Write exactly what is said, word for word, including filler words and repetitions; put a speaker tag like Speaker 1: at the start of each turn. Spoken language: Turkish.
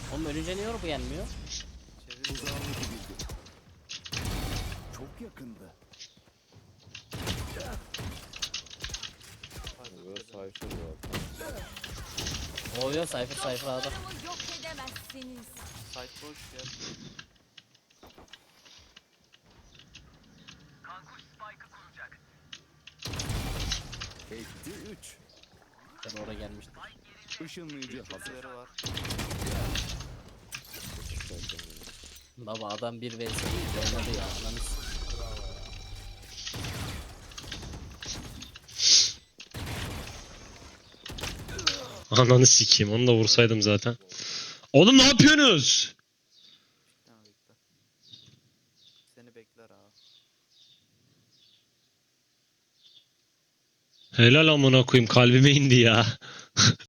Speaker 1: Oğlum ölünce niye bu yenmiyor?
Speaker 2: Çevir.
Speaker 3: Uzağlık bildi. Çok yakında.
Speaker 4: Böyle sayfa var.
Speaker 1: Oluyor sayfa sayfa adam.
Speaker 5: Dostlarımı yok edemezsiniz.
Speaker 2: Site boş gel.
Speaker 3: Etti üç.
Speaker 1: Ben oraya gelmiştim.
Speaker 3: Işınlayıcı hazır.
Speaker 2: Kötüleri var.
Speaker 1: Baba adam bir vs oynadı ya. Ananı s-
Speaker 6: Ananı sikeyim, onu da vursaydım zaten. Oğlum ne yapıyorsunuz?
Speaker 2: Ha, bekle. Seni bekler abi.
Speaker 6: Helal amına koyayım, kalbime indi ya.